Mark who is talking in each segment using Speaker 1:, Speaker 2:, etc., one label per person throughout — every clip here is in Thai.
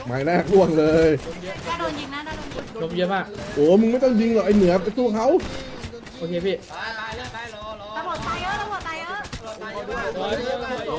Speaker 1: หมายแรกล่วงเลย
Speaker 2: ถ้าโดนยิงนะถ้าโดนยิง
Speaker 3: ลมเยอะมาก
Speaker 1: โอ้มึงไม่ต้องยิงหรอกไอเหนือไปสู้เขา
Speaker 3: โอเคพี่
Speaker 2: ตำรวจตายเยอะตำรวจตายเยอะ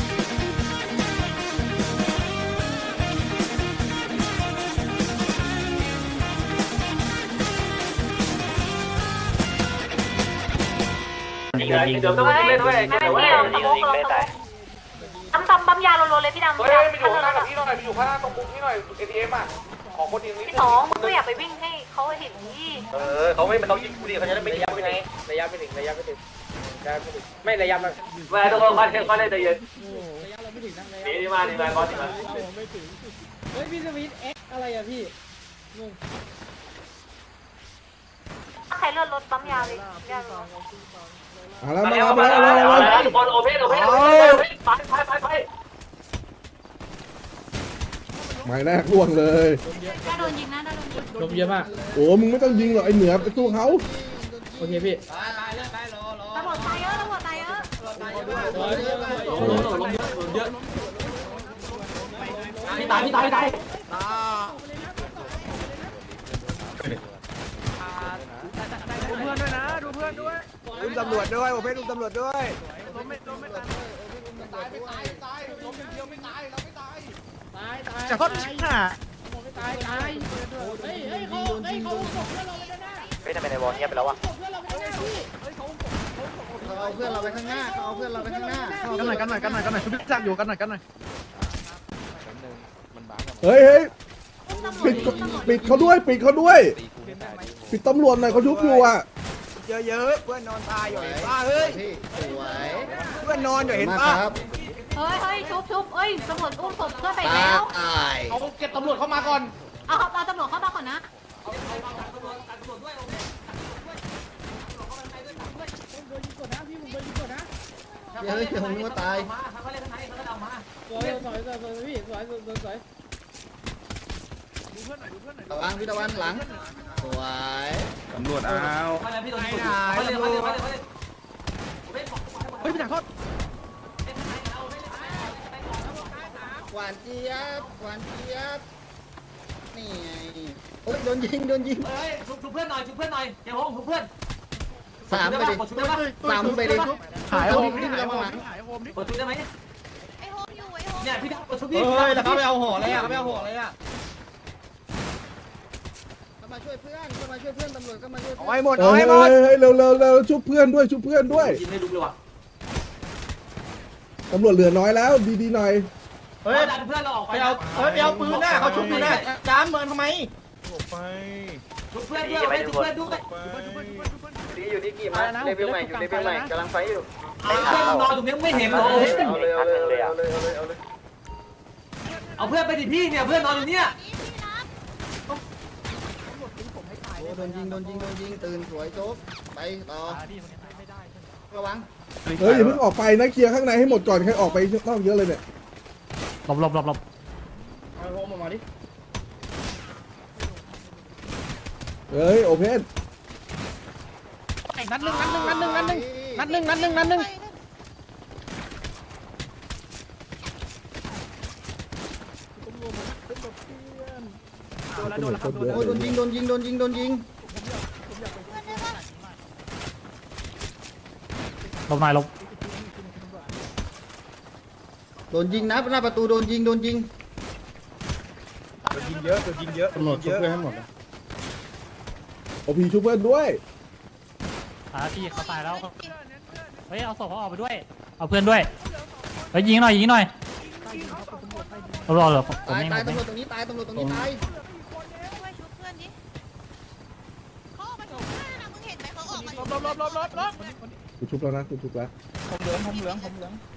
Speaker 4: เดี๋ยวต้องเล่นด้วยเดี๋ยวว่ายิงไม่ตาย
Speaker 2: ปั๊มยาโลเลยพี่ดำ
Speaker 4: เฮ้ยไปอยู่ข้างหน้ากับพี่หน่อยไปอยู่ข้างหน้าตรงมุมพี่หน่อย ATM อ่ะของคนยิงนิด
Speaker 2: พี่สองมึงก็อย่าไปวิ่งให้เขาเห็นนี่
Speaker 4: เขาไม่เขายิงกูดิเขาจะได้ไม่ยิงกูไง
Speaker 3: ระยะไม่ถึงระยะไม่ถึงไม่ระยะมัน
Speaker 4: แม่ต้องค่อยเล่นใจเย็น
Speaker 3: ระยะเราไม่ถึงนะระยะ
Speaker 4: นี่มาบอสมา
Speaker 3: ไม่ถึงเฮ้ยพี่สวิตเอ็กอะไรอะพี่งง
Speaker 2: ใครเลื่อนรถปั๊มยาเลยยา
Speaker 1: มาแล้ว
Speaker 4: ทุกคนโอเพนไป
Speaker 1: หมายแรกล่วงเลย
Speaker 2: ถ้าโดนยิงนะถ้าโดนยิง
Speaker 3: ลมเยอะมาก
Speaker 1: โอ้มึงไม่ต้องยิงหรอกไอเหนือไปสู้เขา
Speaker 3: โอเคพี่
Speaker 2: ตำรวจตายเยอะตำรวจตายเยอะ
Speaker 4: พี่ตาย
Speaker 5: ดูเพื่อนด้วยนะดูเพื่อนด้วยดูตำรวจด้วยผมให้ดูตำรวจด้วยจะทอดชิ้นอ่ะ
Speaker 3: ตายเฮ้ยเขาส่งเพื่อนเราไปด้านหน้า
Speaker 4: เฮ้ยทำไมในวอลเงียบไปแล้ววะ
Speaker 3: ส่งเพื่อนเราไปด้านหน้าพี่
Speaker 5: เอาเพื่อนเราไปข้างหน้าเอาเพื่อนเราไปข้างหน้ากันหน่อยชุบจักอยู่กันหน่อย
Speaker 1: เฮ้ยปิดเขาด้วยปิดตำรวจหน่อยเขาชุบอยู่อ่ะ
Speaker 5: เยอะเพื่อนนอนตายอยู่เห็นป่ะเฮ้ยเพื่อนนอนอยู่เห็นป่ะ
Speaker 2: เฮ้ยชุบเอ้ยตำรวจอุ้มศพเพื่อนไปแล้ว
Speaker 3: เอาเก็บตำรวจเข้ามาก่อน
Speaker 2: เอาตำรวจเข้ามาก่อนนะ
Speaker 3: โดนยิงก่อนนะพี่ผมโดนยิงก่อนนะ
Speaker 5: เฮ้ยผมนึกว่าตาย
Speaker 3: สวยพี่สวย
Speaker 5: ตะวันพี่ตะวันหลังสวย
Speaker 6: ตำรวจเอา
Speaker 4: พี่โดน
Speaker 5: เฮ้ยพี่จักรทอดหวานเจี๊ยบนี่ไงโอ้ยโดนยิง
Speaker 4: เฮ้ยชุบเพื่อนหน่อยเดี๋ยวผมชุบเพื่อน
Speaker 5: สามไปดิหายโฮมนี่เรามาหลัง
Speaker 4: กดชุบได้ไหม
Speaker 2: ไอโฮมอยู่ไอโฮม
Speaker 4: เนี่ยพี่กดชุบพี่
Speaker 5: เฮ้ยแล้วเขาไปเอาห่ออะไรอ่ะเขามาช่วยเพื่อนตำรวจก็มาช่วยเอาให้หมด
Speaker 1: เฮ้ยเร็วชุบเพื่อนด้วย
Speaker 4: ยิงให้ลุกเลยว่ะ
Speaker 1: ตำรวจเหลือน้อยแล้วดีหน่อย
Speaker 4: เฮ้ยดันเพื่อนเราออกไปเอา
Speaker 5: ไปเอาปืนหน้าเขาชุบปืนหน้าจ้ามเมินทำไม
Speaker 4: ชุบเพื่อนด้วยชุบเพื่อนด้วย
Speaker 6: อยู่ที่กี่มาเลเวลใหม่กำลังไฟอยู่
Speaker 4: เพื่อนนอนตรงนี้ไม่เห็นเลยเอาเพื่อนไปดิพี่เนี่ยเพื่อนนอนอยู่เนี่ย
Speaker 5: โดนยิงตื่นสวยโจ๊กไปต่อระวัง
Speaker 1: เฮ้ยอย่าเพิ่งออกไปนะเคลียร์ข้างในให้หมดก่อนใครออกไปนอกเยอะเลยเนี่ย
Speaker 3: หลบเอาโฮมออกมาดิ
Speaker 1: เฮ้ยโอเพน
Speaker 5: นัดหนึ่งโดนยิง
Speaker 3: ลบหน่อยลบ
Speaker 5: โดนยิงนะหน้าประตูโดนยิงเยอะตำรวจชุบเพื่อนให้หมด
Speaker 1: โอพีชุบเพื่อนด้วย
Speaker 3: พี่เขาตายแล้วเฮ้ยเอาศพเขาออกไปด้วยเอาเพื่อนด้วยเฮ้ยยิงหน่อยรอผม
Speaker 5: ตาย
Speaker 3: ไม่
Speaker 5: ตำรวจตรงนี้ตาย
Speaker 2: ช่วยชุบเพื่อนดิเขาออกมาชุบเพื่อนนะมึงเห็นไหมเขาออกมา
Speaker 1: กูชุบแล้วนะกูชุบแล้ว
Speaker 5: ผมเหลือง
Speaker 2: ผมเหลืองพี่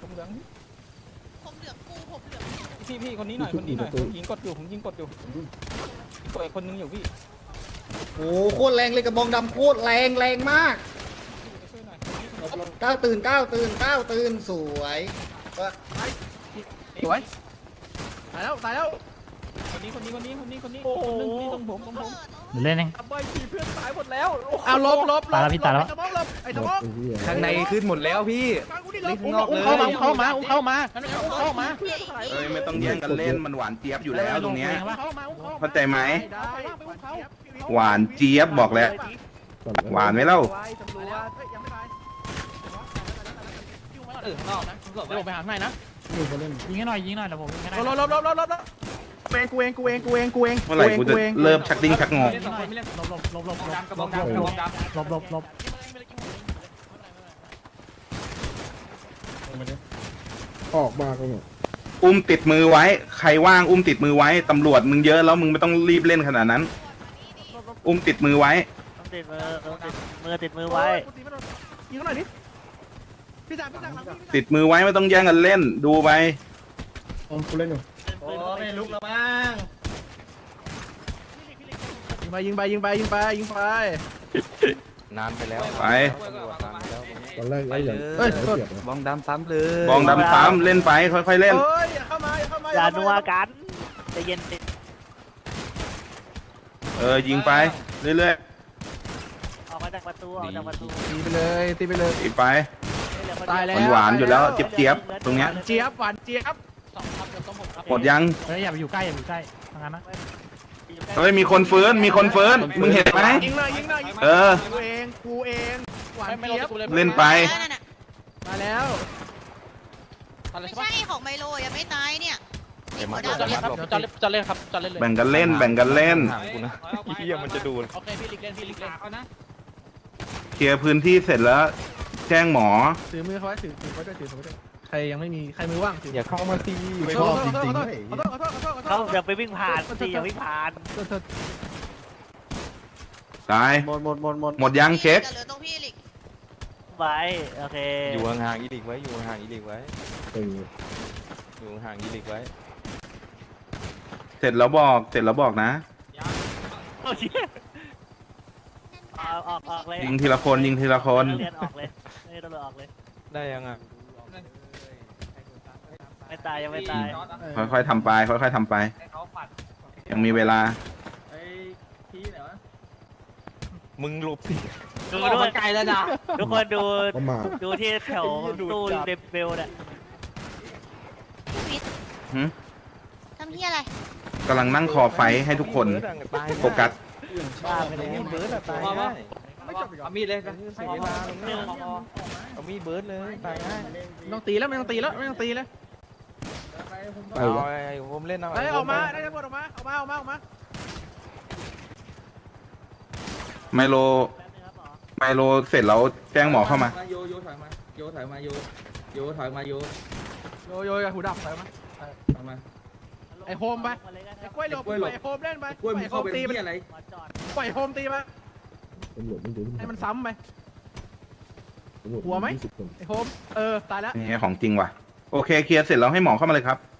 Speaker 5: คนนี้หน่อยผมยิงกดอยู่ตัวอีกคนนึงอยู่พี่โอ้โคตรแรงเลยกระบองดำโคตรแรงมากก้าวตื่นสวยตายแล้วคนนี้คนนึงนี่ตรงผม
Speaker 3: เดี๋ยวเล่นเอง
Speaker 5: ใบขี่เพื่อนตายหมดแล้ว
Speaker 7: เอาลบ
Speaker 3: ตายแล้วพี่ตายแล้ว
Speaker 7: ไอ้ตะมอก
Speaker 8: ข้างในขึ้นหมดแล้วพี่
Speaker 7: ข้างนอกเลยเข้ามาเข้ามา
Speaker 6: เอ้ยไม่ต้องแย่งกันเล่นมันหวานเจี๊ยบอยู่แล้วตรงเนี้ย เข้าใจไหม หวานเจี๊ยบบอกแล้ว หวานไหมเล่า
Speaker 7: เดี๋ยวผมไปหาให้นะ
Speaker 3: ยิงให้หน่อยเดี๋ยวผมยิงให้ได้
Speaker 7: ลบกูเอง
Speaker 6: เมื่อไหร่กูจะเริ่มชักดิ้งชักงอ
Speaker 3: ยิงหน่อยลบ
Speaker 1: ออกมากันเนี่ย
Speaker 6: อุ้มติดมือไว้ ใครว่างอุ้มติดมือไว้ ตำรวจมึงเยอะแล้วมึงไม่ต้องรีบเล่นขนาดนั้น อุ้มติดมือไว้
Speaker 9: ติดมือไว้
Speaker 7: ยิงหน่อยดิพี่จ่า
Speaker 6: ติดมือไว้ไม่ต้องแย่งกันเล่น ดูไป
Speaker 1: กูเล่นอยู่
Speaker 5: โอ้ไม่ลุกแล้วมั้ง
Speaker 7: ยิงไป
Speaker 8: นานไปแล้ว
Speaker 6: ไป
Speaker 1: ตอนแรกไอ้อย่าง
Speaker 7: เฮ้ย
Speaker 1: เสียบนะ
Speaker 8: บองดำซ้ำเลย
Speaker 6: บองดำซ้ำเล่นไปค่อยๆเล่น
Speaker 7: อย่าเข้ามา
Speaker 9: อย่านัวกันใจเย็น
Speaker 6: ยิงไปเรื่อย
Speaker 9: ออกมาจากประตูออกจากประตู
Speaker 7: ตีไปเลย
Speaker 6: ๆอีกไป
Speaker 7: ตายแล้ว
Speaker 6: หวานๆอยู่แล้วเจี๊ยบๆตรงเนี้ย
Speaker 7: เจี๊ยบหวานเจี๊ยบ
Speaker 6: หมดยัง
Speaker 3: เฮ้ยอย่าไปอยู่ใกล้ทางนั้นนะ
Speaker 6: เฮ้ยมีคนฟื้นมึงเห็นไหม
Speaker 7: ยิงเลย
Speaker 6: เออ
Speaker 7: กูเองหวานเจี๊ยบ
Speaker 6: เล่นไป
Speaker 7: มาแล้ว
Speaker 2: ไม่ใช่ของไมโลยังไม่ตายเนี่ย
Speaker 8: เดี๋ยวมา
Speaker 2: หัว
Speaker 8: จะ
Speaker 2: ดำ
Speaker 8: เล่นครับ
Speaker 7: จะเล่นครับจะเล่นเลย
Speaker 6: แบ่งกันเล่นแบ่งกันเล่น
Speaker 8: ห่างกูนะเฮียมันจะดู
Speaker 7: โอเคพี่ลิกเล่นเอานะ
Speaker 6: เคลียร์พื้นที่เสร็จแล้ว แจ้งหมอ
Speaker 7: ถือมือเขาไว้ถือไว้ด้วยใครยังไม่มีใครมือว่างถือ
Speaker 8: อย่าเข้ามาตี
Speaker 1: ชอบจริงๆเลย
Speaker 7: ขอโทษ
Speaker 9: เขาอย่าไปวิ่งผ่านสิอย่าวิ่งผ่าน
Speaker 6: ตาย หมดยังเช็ค
Speaker 2: เหลือตรงพี่ลิก
Speaker 9: ไว้โอเค
Speaker 8: อยู่ห่างๆอีลิกไว้อยู่ห่างๆอีลิกไว้
Speaker 1: เออ
Speaker 8: อยู่ห่างๆอีลิกไว้
Speaker 6: เสร็จแล้วบอกนะ
Speaker 9: โอเคออกเลย
Speaker 6: ยิงทีละคนยิงทีละคน
Speaker 9: เรียนออกเลยไม่ต้องออกเลย
Speaker 8: ได้ยังอ่ะ
Speaker 9: ไม่ตายยังไม่ตาย
Speaker 6: ค่อยๆทำไปค่อยๆทำไป ยังมีเวลา
Speaker 8: มึงหลบสิ
Speaker 9: ดูด้วยไกลแล้วนะทุกคนดู
Speaker 1: ประมาท
Speaker 9: ดูที่แถวตู้เบลเนี่ย
Speaker 2: พิษ
Speaker 6: หึ
Speaker 2: ทำเฮียอะไร
Speaker 6: กำลังนั่งคอไฟให้ทุกคนโฟกัส
Speaker 9: บ้าไปเลย
Speaker 8: เบิร์ดอะตายง่าย
Speaker 7: เอามีดเลย
Speaker 8: เสียเวลาตรงนี้เอามีดเบิร์ดเลยตายง่าย
Speaker 7: ไม่ต้องตีแล้วไม่ต้องตีเลย
Speaker 1: ไป
Speaker 8: เอา
Speaker 1: วะ
Speaker 8: ไอ้ผมเล่นเอา
Speaker 7: ได้ออกมาได้ตำรวจออกมา
Speaker 6: ไมโลเสร็จแล้วแจ้งหมอเข้ามา
Speaker 5: โยถอยมาโยถอยมาโย
Speaker 7: หูดับไปมั้ย
Speaker 5: มา
Speaker 7: ไอโฮมไปไอกล้วยหลบไอโฮมเล่นไป
Speaker 5: กล้วยมึงเข้าไป
Speaker 7: ตีไป
Speaker 5: ที่อะไร
Speaker 7: ปล่อยโฮมตีไป
Speaker 1: ตำรวจไม่ดู
Speaker 7: ให้มันซ้ำไป
Speaker 1: ตำรจ
Speaker 7: หัวไหม
Speaker 1: 20คน
Speaker 7: ไอโฮมตายแล้ว
Speaker 6: นี่ของจริงว่ะ โอเคเคลียร์เสร็จแล้วให้หมอเข้ามาเลยครับ